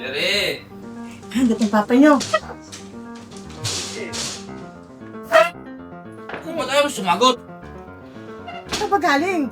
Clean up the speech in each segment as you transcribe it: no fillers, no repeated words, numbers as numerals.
Jerry! Hanggat ang papa nyo. Kung ba't ayaw mo sumagot? Saan pa galing?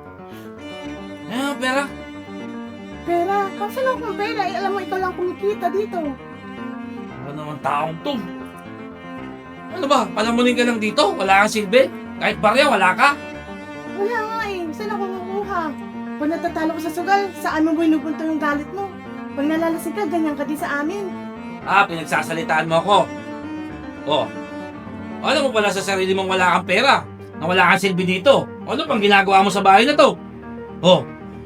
Pera. Pera. Saan ako ng pera? Eh, alam mo, ikaw lang kumikita dito. Ano naman taong to? Ano ba? Palamunin ka lang dito? Wala kang silbi? Kahit barya, wala ka? Wala nga eh. Saan ako makuha? Pag natatalo ko sa sugal, saan mo binubunto yung galit mo? Pag nalalasing ka, ganyan ka din sa amin. Pinagsasalitaan mo ako. Oh. Alam mo pala sa sarili mong wala kang pera? Na wala kang silbi dito? Ano pang ginagawa mo sa bahay na to? Oh.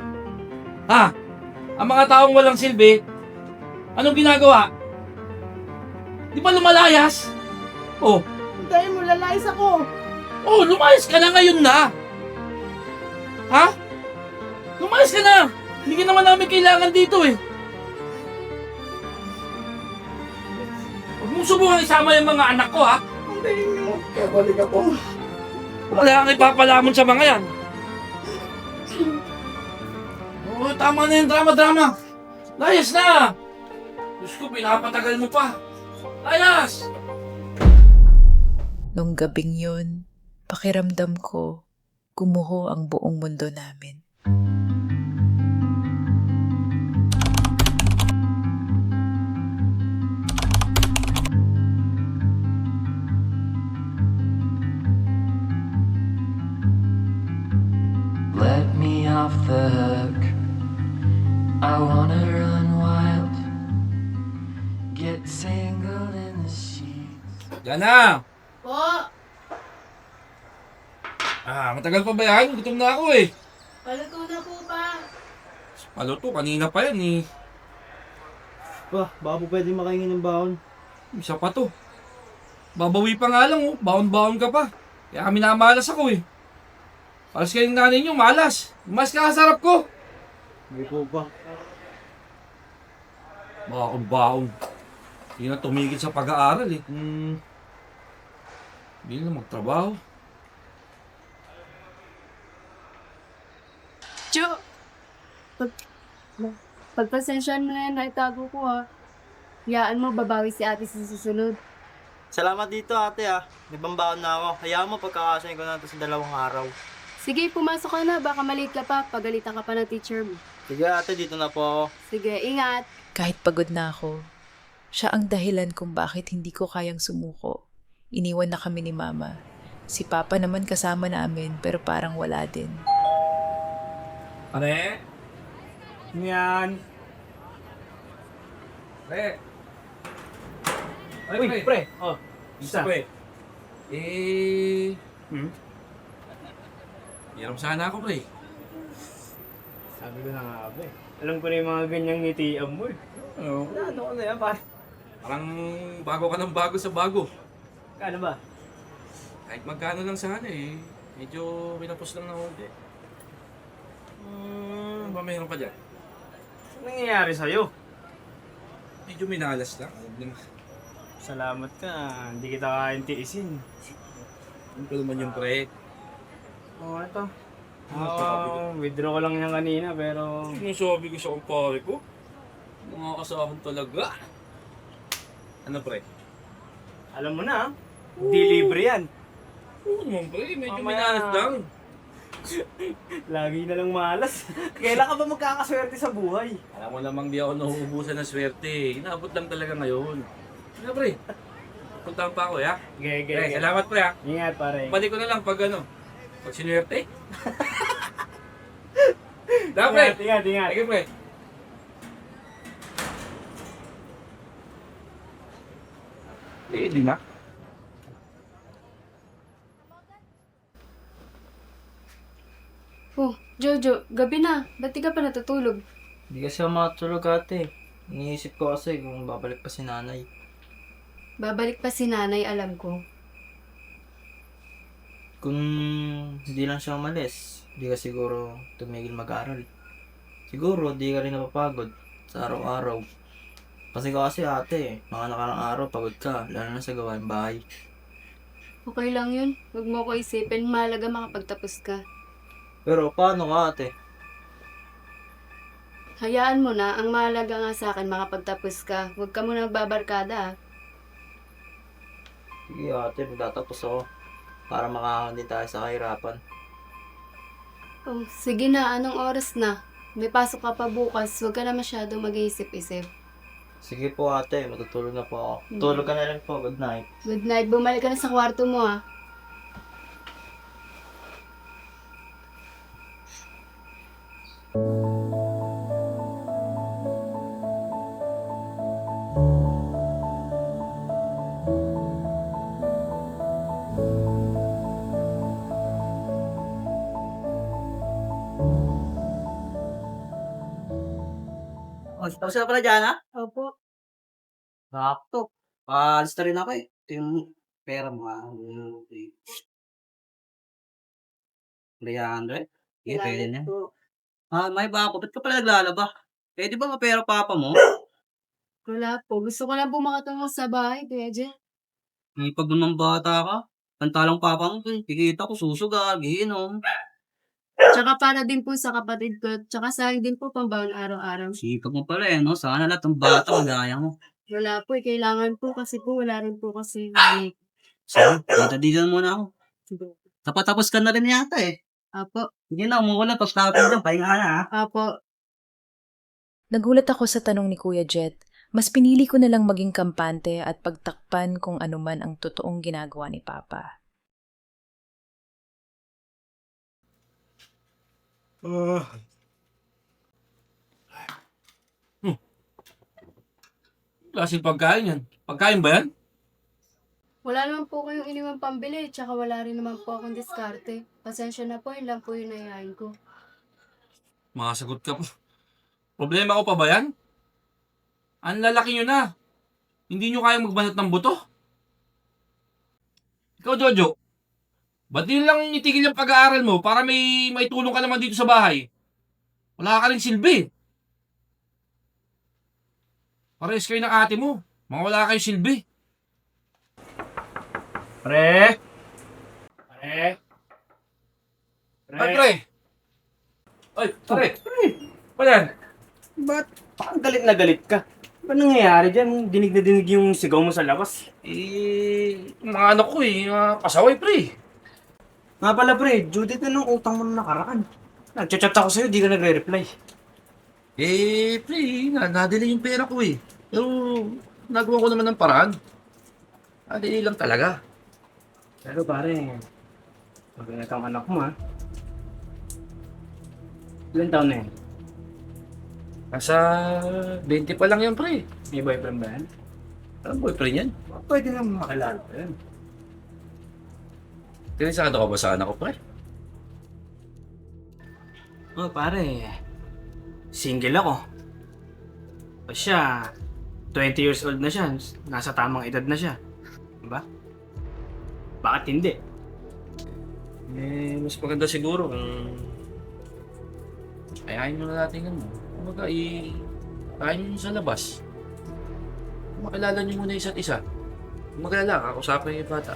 Ang mga taong walang silbi, anong ginagawa? Di ba lumalayas? Oh. Hintayin mo, lalayas ako. Oh, lumayas ka na ngayon na. Ha? Lumayas ka na. Hindi ka naman namin kailangan dito eh. Huwag mong subukan isama yung mga anak ko ha. Ang galing nyo. Kaya balik ako. Wala kang ipapalamon sa mga yan. Oh, tama na yung drama-drama. Layas na. Diyos ko, pinapatagal mo pa. Layas! Nung gabing yun, pakiramdam ko, gumuho ang buong mundo namin. Let me off the hook. I wanna run wild. Get tangled in the sheets. Yan na. Po! Matagal pa ba yan? Gutom na ako eh. Paluto na po pa. Paluto, kanina pa yan eh. Baka po pwede makahingi ng baon. Isa pa to. Babawi pa nga lang oh. Baon-baon ka pa. Kaya kami namalas ako eh. Alas kayo ng nanay nyo, malas. Mas kakasarap ko. Hindi po ba? Baon-baon. Hindi na tumigil sa pag-aaral eh. Hindi na magtrabaho. Chu! Pagpasensyahan mo na yan, naitago ko ha. Hayaan mo, babawi si ate sa susunod. Salamat dito ate May pambaon na ako. Hayaan mo pagkakasayin ko na ito sa 2 araw. Sige, pumasok ka na, baka malate ka pa, pagalitan ka pa ng teacher mo. Sige ate, dito na po ako. Sige, ingat! Kahit pagod na ako, siya ang dahilan kung bakit hindi ko kayang sumuko. Iniwan na kami ni Mama. Si Papa naman kasama namin pero parang wala din. Pare? Yan. Pre? Ay, Uy, pre. Oh, Isa isa. pre. Hiram sana ako pre. Sabi ko na nga ba Alam ko na yung mga ganyang ngitian mo eh. Ano? Ano ko na yan pare? Parang bago ka ng bago sa bago. Kano ba? Kahit magkano lang sana eh. Medyo pinapos lang na konti. Ano ba mayroon ka dyan? Anong nangyayari sa'yo? Medyo minalas lang. Salamat ka. Hindi kita kain tiisin. Ano pa naman yung pre? Oh, ito. Ano Withdraw ko lang yan kanina pero... Sinasabi ko sa kumpare ko. Mga kasahon talaga. Ano pre? Alam mo na Hindi libre yan. Oo naman pre, medyo Mamaya. minalas lang. Lagi na lang malas. Kailan ka ba magkakaswerte sa buhay? Alam mo namang di ako nauubusan ng swerte. Inaabot lang talaga ngayon. Ano pre? Puntahan pa ako ya. Pre, salamat pre ha. Ingat pare. Balik ko na lang pag ano. Pag sinwerte. Da pre. Ingat. Sige pre. Di na. Oh, Jojo, gabi na. Ba't di ka pa natutulog? Hindi kasi ako makatulog ate. Iniisip ko kasi kung babalik pa si nanay. Babalik pa si nanay, alam ko. Kung hindi lang siya umalis, hindi ka siguro tumigil mag-aral. Siguro di ka rin napapagod sa araw-araw. Kasi ate, mga nakarang araw pagod ka, lalo na sa gawain bahay. Okay lang yun. Huwag mo ko isipin. Mahalaga makapagtapos ka. Pero paano ka ate? Hayaan mo na. Ang mahalaga nga sa akin, makapagtapos ka. Huwag ka muna magbabarkada ah. Sige ate, magtatapos ako. Para makakaon din tayo sa kahirapan. Oh, sige na, anong oras na? May pasok ka pa bukas, huwag ka na masyadong mag-iisip-isip. Sige po ate, matutulog na po ako. Tulog ka na lang po, good night. Good night, bumalik ka na sa kwarto mo ah. Oh, tapos na pala dyan ha? Opo. Sakto. Paalis na rin ako eh. Ito yung pera mo ha. 300? Sige, pwede na. May bako, ba't ka pala naglalaba? Pwede ba mapera papa mo? Wala po, gusto ko lang po makatungo sa bahay, Kuya Jen. Pag ng bata ka, pantalang papa mo, kikita ko susugal, giinom. Tsaka para din po sa kapatid ko, tsaka sa akin din po pambaon araw-araw. Sipag mo pala eh, no? Sana lahat ng bata magaya mo. Wala po, kailangan po kasi po, wala rin po kasi. Sige, dito muna ako. Tapos ka na rin yata eh. Apo, Hindi na, umuulan. Tapos natin dyan, pahinga ka na ha. apo. Nagulat ako sa tanong ni Kuya Jet. Mas pinili ko na lang maging kampante at pagtakpan kung ano man ang totoong ginagawa ni Papa. Klaseng pagkain yan. Pagkain ba yan? Wala naman po kayong iniwang pambili, tsaka wala rin naman po akong diskarte. Pasensya na po, yun lang po yung nayayain ko. Makasagot ka po. Problema ko pa ba yan? Ang lalaki nyo na. Hindi nyo kayang magbanat ng buto. Ikaw, Jojo. Ba't din lang itigil yung pag-aaral mo para may tulong ka naman dito sa bahay? Wala ka rin silbi. Parehas kayo ng ate mo. Mga wala kayong silbi. Pre! Pre! Ay, pre! Ay, pre! Pa yan? Ba't parang galit na galit ka? Ba nangyayari dyan? Dinig na dinig yung sigaw mo sa labas. Mga anak ko mga pasaway, pre. Nga pala pre, Judith na nung utang mo na nakaraan. Nagchat-chat ako sa'yo, di ka nagre-reply. Pre, nadali yung pera ko eh. Pero, nagawa ko naman ng paraan. Nadali lang talaga. Pero pare, maganda kang anak mo ha. Ilan taon na yan? Nasa 20 pa lang yan, pre. May boyfriend ba yan? Anong boyfriend yan? Pwede naman makilala ko yan. Tinisado ka ba sa anak ko, pre? Oh pare, single ako. O siya, 20 years old na siya. Nasa tamang edad na siya. Diba? Bakit hindi? Mas maganda siguro kung ayahin nyo na natin ano. Kumbaga, ayahin nyo sa labas. Makilala nyo muna isa't isa. Kung magalala, kakusapin yung bata.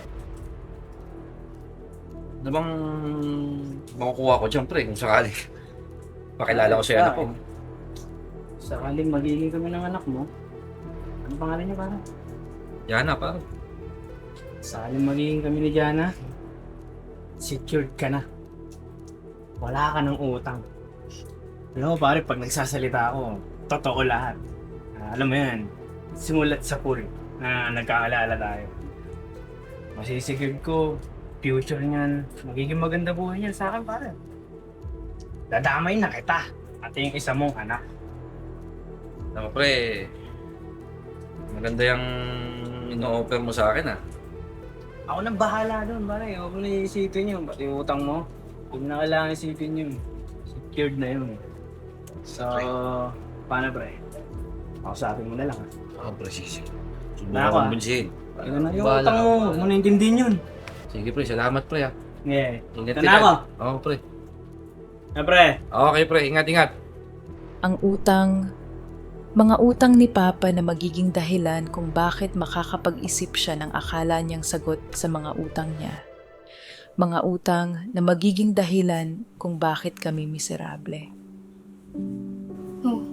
Ano bang makukuha ko dyan, pre, kung sakali? Pakilala ko sa anak ko. Sakaling magiging kami ng anak mo, ano pangalan niya parang? Yana, parang. Sakaling magiging kami ni Jana, secured ka na. Wala ka ng utang. Alam mo pare, pag nagsasalita ako, totoo lahat. Alam mo yan, simulat sa pool na nagkaalala tayo. Masisigurd ko, future niyan, magiging maganda buhay niyan sa akin pare. Dadamay na kita, at yung isa mong anak. Alam mo, pre, maganda yung ino-offer mo sa akin, ah. Ako nang bahala doon pare, huwag mo na iisipin yun, pati yung utang mo. Huwag na kailangan isipin yun. Secured na yun. So, paano pre? Kausapin mo na lang ha. Pre, sige. Na ako, ah. Kumbinsihin. Yun na yung Bahala utang ka, mo, pre. huwag mo na intindihin yun. Sige, pre, salamat, pre, ah. Yeah. Ingat Ito na ako. Oo, pre. Na pre, Okay, pre, ingat. Ang utang, mga utang ni Papa na magiging dahilan kung bakit makakapag-isip siya ng akala niyang sagot sa mga utang niya. Mga utang na magiging dahilan kung bakit kami miserable. Oh,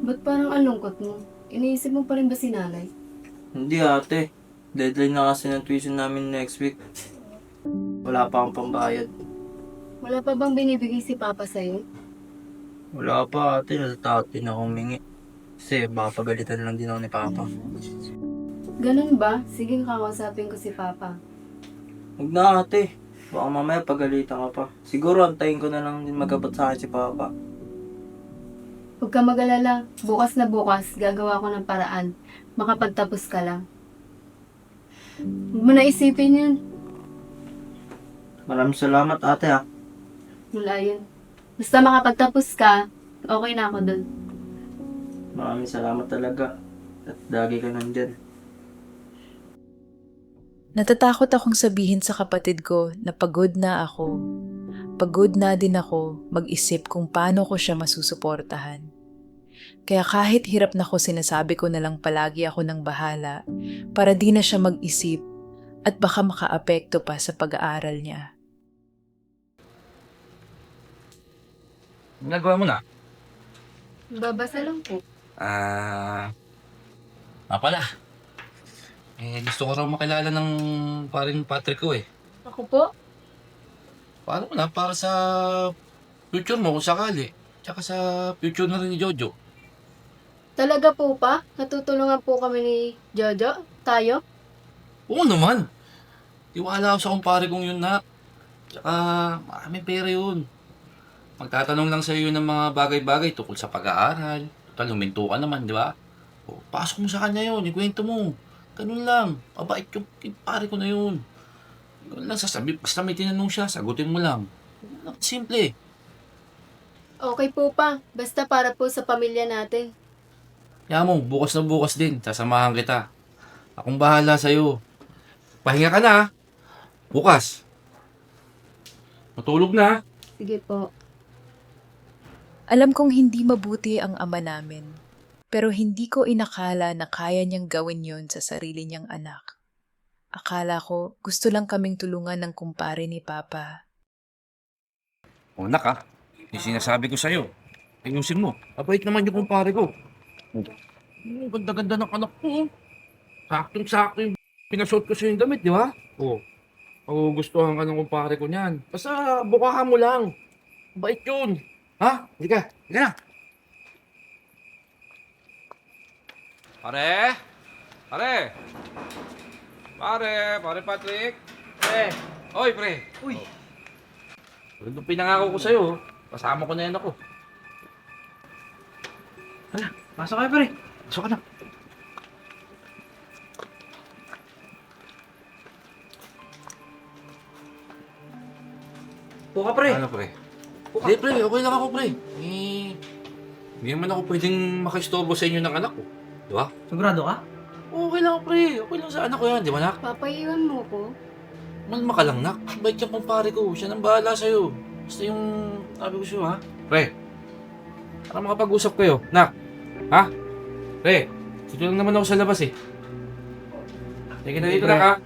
Ba't parang ang lungkot mo? Iniisip mo pa rin ba si nanay? Hindi ate. Deadline na kasi ng tuition namin next week. Wala pa akong pambayad. Wala pa bang binibigay si Papa sa'yo? Wala pa ate. Natatakot din ako humingi. Kasi baka pagalitan lang din ako ni Papa. Ganun ba? Sige, kakausapin ko si Papa. Huwag na ate. Baka mamaya pagalitan ka pa. Siguro antayin ko na lang din magabot sa akin si Papa. Huwag ka mag-alala. Bukas na bukas, gagawa ko ng paraan. Makapagtapos ka lang. Huwag mo na isipin yun. Maraming salamat ate ha. Wala yun. Basta makapagtapos ka, okay na ako dun. Maraming salamat talaga. At lagi ka nandyan. Natatakot akong sabihin sa kapatid ko na pagod na ako. Pagod na din ako mag-isip kung paano ko siya masusuportahan. Kaya kahit hirap na ko, sinasabi ko na lang palagi ako ng bahala para di na siya mag-isip at baka makaapekto pa sa pag-aaral niya. Nagawa mo na? Babasa lang po. Pala. Gusto ko raw makilala ng parin Patrick ko eh. Ako po? Paano mo na? Para sa future mo kung sakali. Tsaka sa future na rin ni Jojo. Talaga po pa? Natutulungan po kami ni Jojo? Tayo? Oo naman. Tiwala ako sa kumpare kong yun na. Tsaka maraming pera yun. Magtatanong lang sa iyo ng mga bagay-bagay tungkol sa pag-aaral. Total, huminto ka naman, di ba? O, pasok mo sa kanya yun, ikwento mo. Ganun lang. Mabait yung pare ko na yun. Ganun lang sasabi. Basta may tinanong siya, sagutin mo lang. Simple. Okay po pa. Basta para po sa pamilya natin. Kaya mo, bukas na bukas din. Sasamahan kita. Akong bahala sa'yo. Pahinga ka na, ha? Bukas. Matulog na, ha? Sige po. Alam kong hindi mabuti ang ama namin, pero hindi ko inakala na kaya niyang gawin yon sa sarili niyang anak. Akala ko gusto lang kaming tulungan ng kumpare ni Papa. O, nak, ha? Yung sinasabi ko sa'yo. Ayusin mo. Abait naman yung kumpare ko. Oh, ganda-ganda ng anak ko. Saktong-sakto yung pinasuot ko sa yung damit, di ba? Oo. Gustuhan ka ng kumpare ko niyan. Basta bukahan mo lang. Bait yun. Ha? Hindi ka. Hindi ka na. Pare? Pare? Pare Patrick? Pre. Oy, pre. Uy. Yung pinangako ko sa'yo, kasama ko na yan ako. Hala, pasok kayo pre. Pasok ka na. Buka pre. Ano, pre? Hindi, pre. Okay lang ako, pre. Hindi naman ako pwedeng makistorbo sa inyo ng anak ko. Di ba? Sigurado ka? Okay lang, pre. Okay lang sa anak ko yan. Di ba, nak? Papaiwan mo ko. Malma ka lang, nak. Bait yung kumpare ko. Siya nang bahala sa'yo. Basta yung sabi ko sa'yo, ha? Pre. Para makapag-usap kayo. Nak. Ha? Pre. Dito lang naman ako sa labas, eh. Sige na dito, Pre. nak, ha?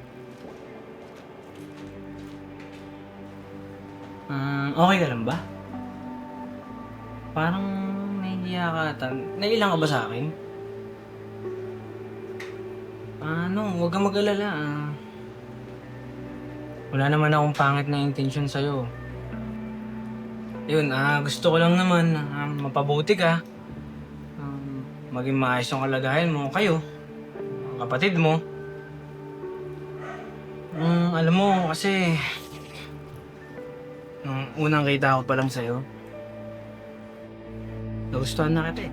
Okay ka lang ba? Parang nahihiya ka ata. Nailang ka ba sa akin? Huwag kang mag-alala. Wala naman akong pangit na intention sa'yo. Yun, gusto ko lang naman mapabuti ka. Maging maayos yung kalagayan mo. Kayo, ang kapatid mo. Alam mo, kasi nung unang kita ko pa lang sa'yo, nagustuhan na kita eh.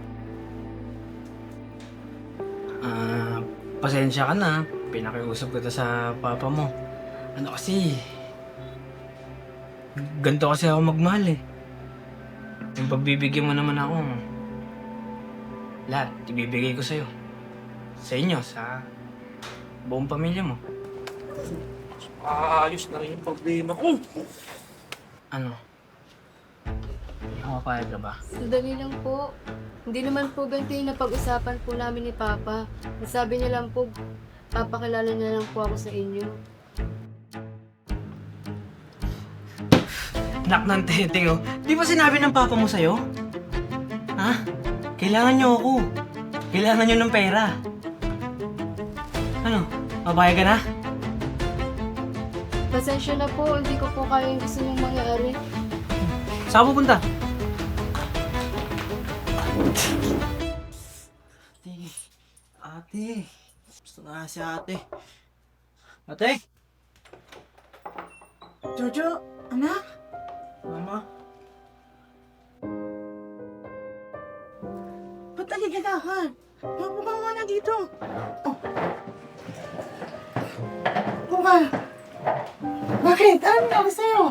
Pasensya ka na, pinakiusap kita sa papa mo. Ano kasi, ganito kasi ako magmahal eh. Yung pagbibigyan mo naman ako, lahat, ibibigay ko sa'yo. Sa inyo, sa buong pamilya mo. Ayos na rin yung problema ko. Ano? Makapayag ka ba? Sandali lang po. Hindi naman po ganito yung napag-usapan po namin ni Papa. Sabi niya lang po, papakilala niya lang po ako sa inyo. Anak ng teteng oh. Di ba sinabi ng papa mo sa'yo? Ha? Kailangan nyo ako. Kailangan nyo ng pera. Ano? Mabaya ka na? Pasensya na po, hindi ko po kaya yung gusto niyong mangyari. Saan pupunta? Ate. Gusto na si ate. Ate? Jojo, anak, Mama? ba't aligagahan? Mapo ka muna dito. Oh. Buka. Bakit? Ano nangyari sa'yo?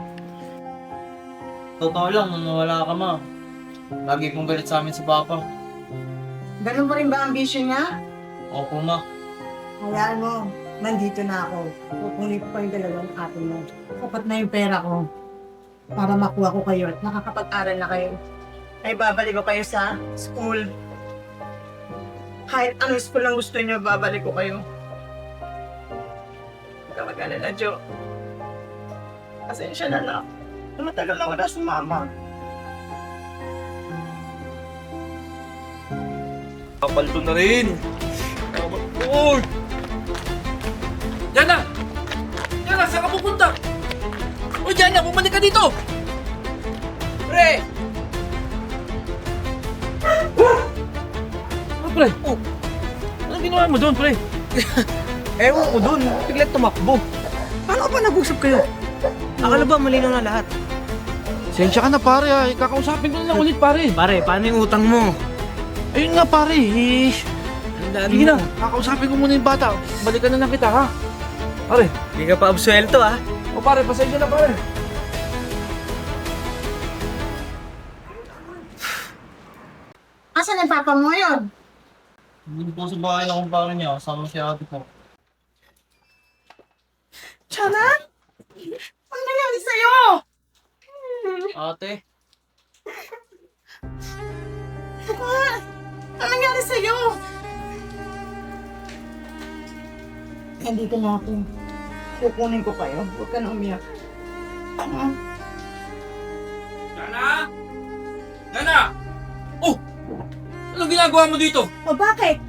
Totoo lang, nung nawala ka, ma. Lagi kong galit sa amin si Papa. Ganun pa rin ba ang ambisyon niya? Opo, ma. Hayaan mo, nandito na ako. Kukunin ko pa yung dalawang ate mo. Sapat na yung pera ko para makuha ko kayo at nakakapag-aral na kayo. Ay babalik ko kayo sa school. Kahit anong school lang gusto niyo, babalik ko kayo. Huwag ka mag-alala, Jo. Pasensya na lang. Matagal na wala si Mama. Kapaldo na rin. Uy! Diana! Diana, saan ka pupunta? Uy, Diana, bumalik ka dito! Pre! Oh, pre? Oh. Anong ginawa mo doon, pre? Ewan ko dun. Biglang tumakbo. Paano ka ba nag-usap kayo? Akala ba malinaw na lahat? Sensya ka na, pare. Kakausapin ko na lang ulit, pare. Pare, paano yung utang mo? Ayun nga, pare. Ang dami Sige mo. na, kakausapin ko muna yung bata. Balikan na lang kita, ha? Pare. Hindi ka pa absuelto, ha? O, pare, pasensya na, pare. Asan ang papa mo yun? Hindi po sa bahay na kumpara niya. Kasama si ate po. Tiyanan? Ano nangyari sa'yo? Ate? Ano nangyari sa'yo? Nandito na ako. Kukunin ko kayo. Huwag ka na umiyak. Diana! Diana! Oh! Anong ginagawa mo dito? O bakit?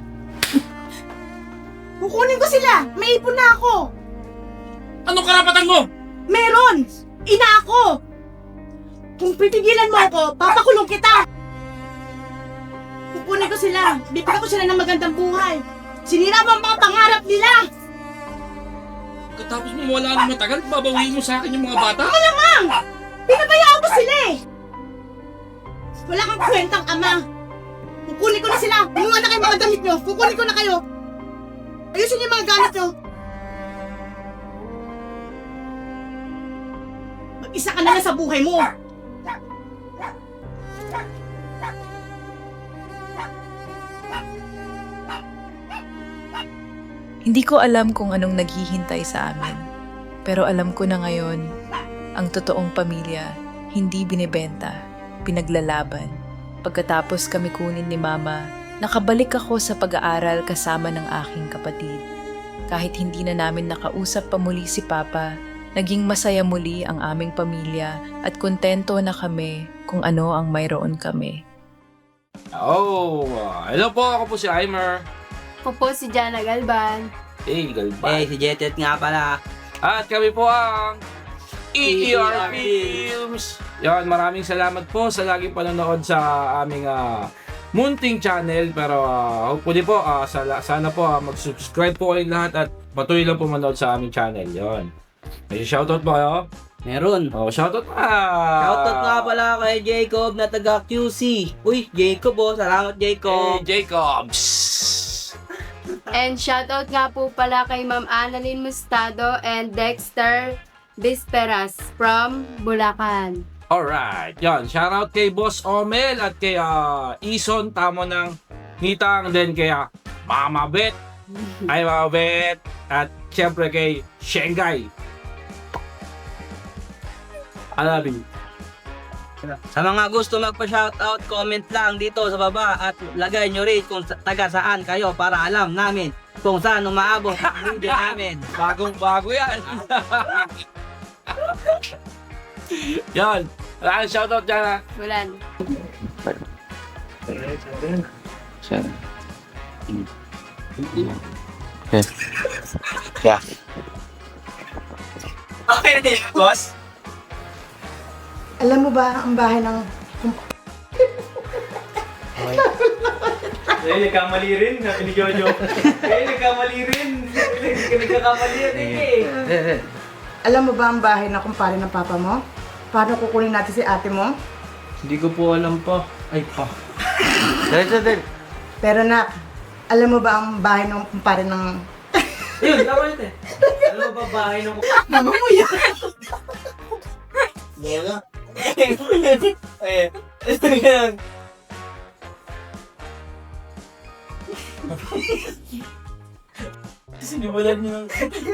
Kukunin ko sila! May ipon na ako! Anong karapatan mo? Meron! Ina ako! Kung pitigilan mo ako, papakulong kita! Kukunin ko sila! Bibigyan ko sila ng magandang buhay! Sinira mo ang mga pangarap nila! Pagkatapos mo wala nang matagal, babawiin mo sa akin yung mga bata? Malamang! Pinabayaan mo sila eh! Wala kang kwentang ama! Kukunin ko na sila! Kumuha na kayo mga damit nyo! Kukunin ko na kayo! Ayusin niyo yung mga gamit nyo! Mag-isa ka na lang sa buhay mo! Hindi ko alam kung anong naghihintay sa amin. Pero alam ko na ngayon, ang totoong pamilya, hindi binibenta, pinaglalaban. Pagkatapos kami kunin ni Mama, nakabalik ako sa pag-aaral kasama ng aking kapatid. Kahit hindi na namin nakausap pa muli si Papa, naging masaya muli ang aming pamilya at kontento na kami kung ano ang mayroon kami. Oh, hello po. Ako po si Aimer. Ako po si Jana Galban. Hey, galbay. si Jetet nga pala. At kami po ang EER EER Films. Yan, maraming salamat po sa laging panonood sa aming munting channel. Pero hopefully po, sana po mag-subscribe po kayong lahat at patuloy lang po manood sa aming channel. Yan. May shoutout ba kayo? Meron. Oh, shoutout pa! Shoutout nga pala kay Jacob na taga QC. Uy, Jacob oh. Salamat Jacob. Hey, Jacobs! And shoutout nga po pala kay Ma'am Annalyn Mustado and Dexter Bisperas from Bulacan. Alright, yan. Shoutout kay Boss Omel at kay Ison Tamo ng Nitang, then kay Mama Bet. Ay, Mama Bet. At syempre kay Shanghai. I love you. Sa mga gusto magpa-shoutout, comment lang dito sa baba at lagay nyo rin kung taga saan kayo para alam namin kung saan umaabot ang video namin. Bagong-bago yan. Yan. Wala kang shoutout dyan, ha? Wala na. Sir. Okay na yun, boss. Alam mo ba ang bahay ng... Eh, nagkamali rin. Sabi ni Jojo. Eh, nagkamali rin. Nagkakamali yan eh. Alam mo ba ang bahay ng kumpare ng papa mo? Paano kukunin natin si ate mo? Hindi ko po alam pa. Ay pa. Pero nak, alam mo ba ang bahay ng kumpare ng... Yun, tama yun eh. Alam mo ba bahay ng... Mama mo yan! Eh, ito yan. Sinimulan niyo.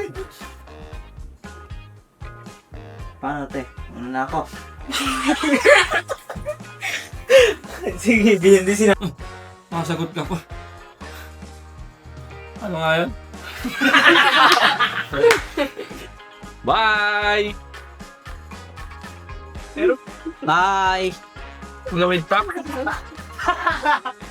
Paano te? Ano na ako? Sige, hindi sina... Makasagot ka pa. Ano nga yun? Bye! Bye! Gawin pa?